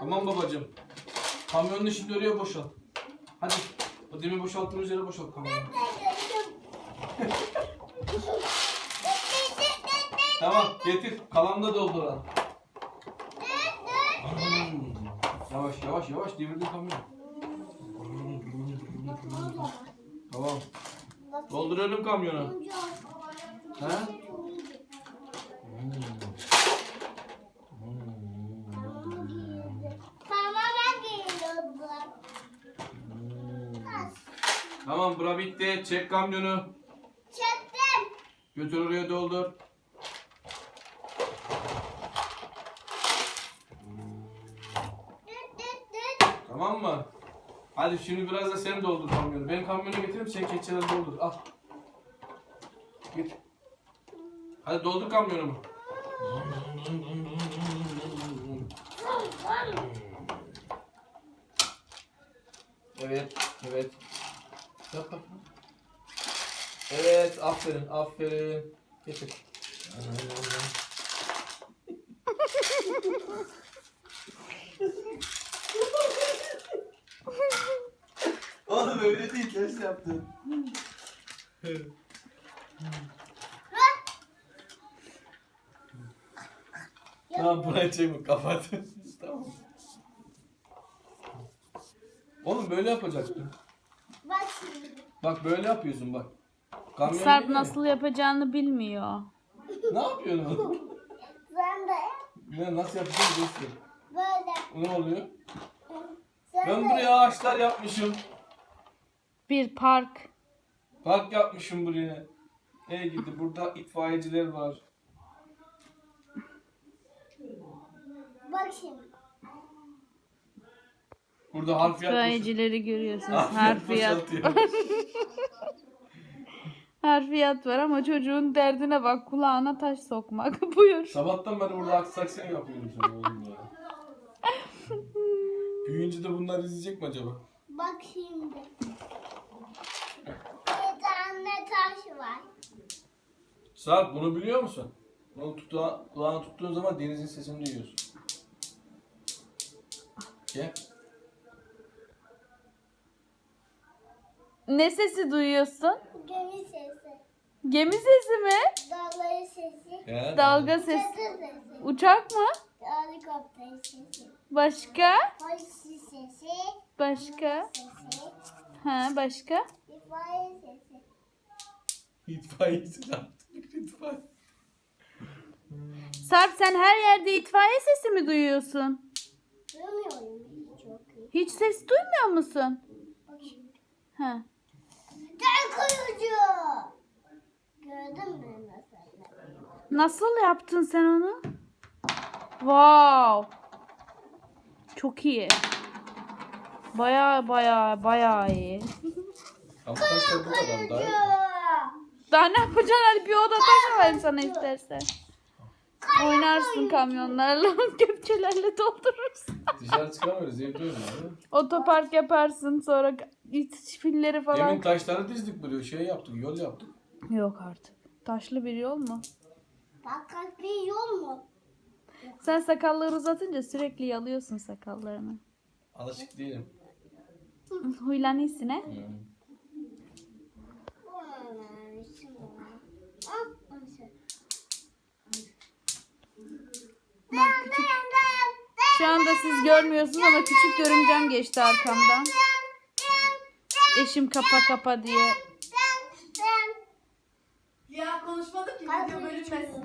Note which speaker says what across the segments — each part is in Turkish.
Speaker 1: Tamam babacığım. Kamyonunu şimdi oraya boşalt. Hadi. O demin boşalttığımız yere boşalt kamyonu. Tamam getir. Kalanını da dolduralım. Yavaş yavaş yavaş devirdin kamyonu. Tamam. Dolduruyorum kamyonu. He? Tamam bura bitti. Çek kamyonu.
Speaker 2: Çektim.
Speaker 1: Götür oraya doldur. Tamam mı? Hadi şimdi biraz da sen doldur kamyonu. Ben kamyonu getireyim sen keçeleri doldur. Al. Git. Hadi doldur kamyonumu. Evet, evet. Yap bak. Evet, aferin, aferin. Getir. Oğlum öyle değil, ters yaptın. Tamam, burayı çekme, kapat. Tamam. Oğlum böyle yapacaktın.
Speaker 2: Bak şimdi.
Speaker 1: Bak böyle yapıyorsun bak. Kamyon
Speaker 3: Sarp
Speaker 1: değil mi?
Speaker 3: nasıl yapacağını bilmiyor.
Speaker 1: Ne yapıyorsun oğlum?
Speaker 2: Sen de
Speaker 1: Ya nasıl yapacağım göster.
Speaker 2: böyle.
Speaker 1: Ne oluyor?
Speaker 2: Sen
Speaker 1: Ben
Speaker 2: de.
Speaker 1: buraya ağaçlar yapmışım.
Speaker 3: Bir park.
Speaker 1: Park yapmışım buraya. Gidi burada itfaiyeciler var.
Speaker 2: Bak şimdi.
Speaker 1: Burada harfiyat
Speaker 3: İtfaiyecileri görüyorsunuz.
Speaker 1: Harfiyat
Speaker 3: Harfiyat.
Speaker 1: boşaltıyor.
Speaker 3: Harfiyat var ama çocuğun derdine bak, kulağına taş sokmak. Buyur.
Speaker 1: Sabahtan beri burada aksaksen yapıyorum sana oğlum ya. Büyüyünce de bunlar izleyecek mi acaba?
Speaker 2: Bak şimdi. Bir tane taş var.
Speaker 1: Sarp bunu biliyor musun? Bunu kulağına tuttuğun zaman denizin sesini duyuyorsun. Gel.
Speaker 3: Ne sesi duyuyorsun?
Speaker 2: Gemi sesi.
Speaker 3: Gemi sesi mi?
Speaker 2: Dalgalı sesi.
Speaker 1: Ya,
Speaker 3: Dalga sesi.
Speaker 2: Çatı sesi.
Speaker 3: Uçak mı?
Speaker 2: Helikopter sesi.
Speaker 3: Başka?
Speaker 2: Polis sesi.
Speaker 3: Başka?
Speaker 2: Sesi.
Speaker 3: Ha, başka?
Speaker 2: İtfaiye sesi.
Speaker 1: İtfaiyesi yaptık. İtfaiye.
Speaker 3: Sarp, sen her yerde itfaiye sesi mi duyuyorsun?
Speaker 2: Duymuyorum hiç çok iyi.
Speaker 3: Hiç ses duymuyor musun?
Speaker 2: Bak şimdi.
Speaker 3: Ha.
Speaker 2: Gel koyucu. Gördün mü nasıl?
Speaker 3: Nasıl yaptın sen onu? Wow. Çok iyi. Baya iyi.
Speaker 1: Ama taşlar bu kadar daha.
Speaker 3: Daha ne yapacaksın? Hadi bir oda taş alayım sana istersen. Oynarsın kamyonlarla, kepçelerle doldurursun.
Speaker 1: Dışarı çıkamıyoruz evde oynuyoruz.
Speaker 3: Otopark yaparsın, sonra filleri
Speaker 1: Demin
Speaker 3: falan.
Speaker 1: taşları dizdik buraya şey yaptık yol yaptık.
Speaker 3: Yok artık. Taşlı bir yol mu?
Speaker 2: Bak bir yol mu?
Speaker 3: Sen sakalları uzatınca sürekli yalıyorsun sakallarını.
Speaker 1: Alışık değilim.
Speaker 3: Huylanıyorsun he? Bak, küçük. Şu anda siz görmüyorsunuz ama küçük görümcem geçti arkamdan. Eşim kapa kapa diye.
Speaker 4: Ya konuşmadık ki video bölünmesin.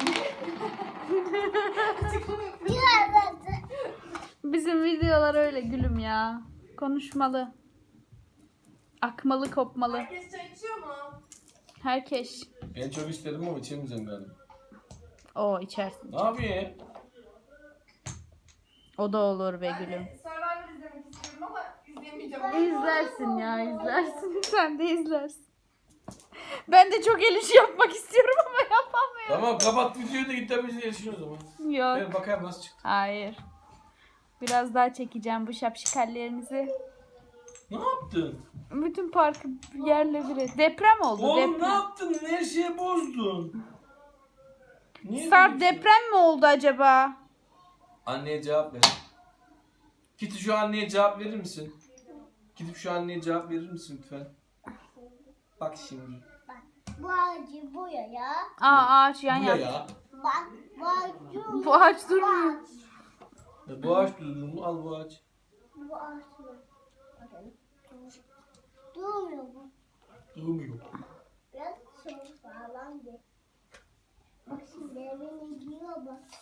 Speaker 3: Bizim videolar öyle gülüm ya. Konuşmalı. Akmalı kopmalı.
Speaker 4: Herkes çay içiyor mu?
Speaker 3: Herkes.
Speaker 1: Ben çok istedim ama içemeyeceğim galiba.
Speaker 3: O içersin.
Speaker 1: Ne yapayım?
Speaker 3: O da olur be
Speaker 4: Ben
Speaker 3: gülüm.
Speaker 4: de Survivor izlemek istiyorum ama izleyemeyeceğim.
Speaker 3: İzlersin ya, izlersin. Sen de izlersin. Ben de çok el işi yapmak istiyorum ama yapamıyorum.
Speaker 1: Tamam kapat videoyu da git de biz yaşıyor o zaman.
Speaker 3: Yok.
Speaker 1: Ben bakayım nasıl çıktı.
Speaker 3: Hayır. Biraz daha çekeceğim bu şapşikallerinizi.
Speaker 1: Ne yaptın?
Speaker 3: Bütün parkı yerle bir et. Deprem oldu.
Speaker 1: Oğlum
Speaker 3: deprem.
Speaker 1: ne yaptın? Her şeyi bozdun. Niye
Speaker 3: Sarp,
Speaker 1: böyle bir şey?
Speaker 3: deprem mi oldu acaba?
Speaker 1: Anneye cevap ver. Kitty şu anneye cevap verir misin? Gidip şu anneye cevap verir misin lütfen? Bak şimdi.
Speaker 2: Bak bu ağacı boya ya.
Speaker 3: Ağaç yan
Speaker 1: Bu ya
Speaker 3: yana.
Speaker 1: ya.
Speaker 2: Bak bu ağacı
Speaker 3: Bu ağaç durmuyor.
Speaker 1: Bu ağaç durur mu? Al bu ağaç.
Speaker 2: Bu ağaç mı? Bakın. Durmuyor bu.
Speaker 1: Durmuyor.
Speaker 2: Biraz çok sağlam bir. Bak şimdi evine giyiyor bak.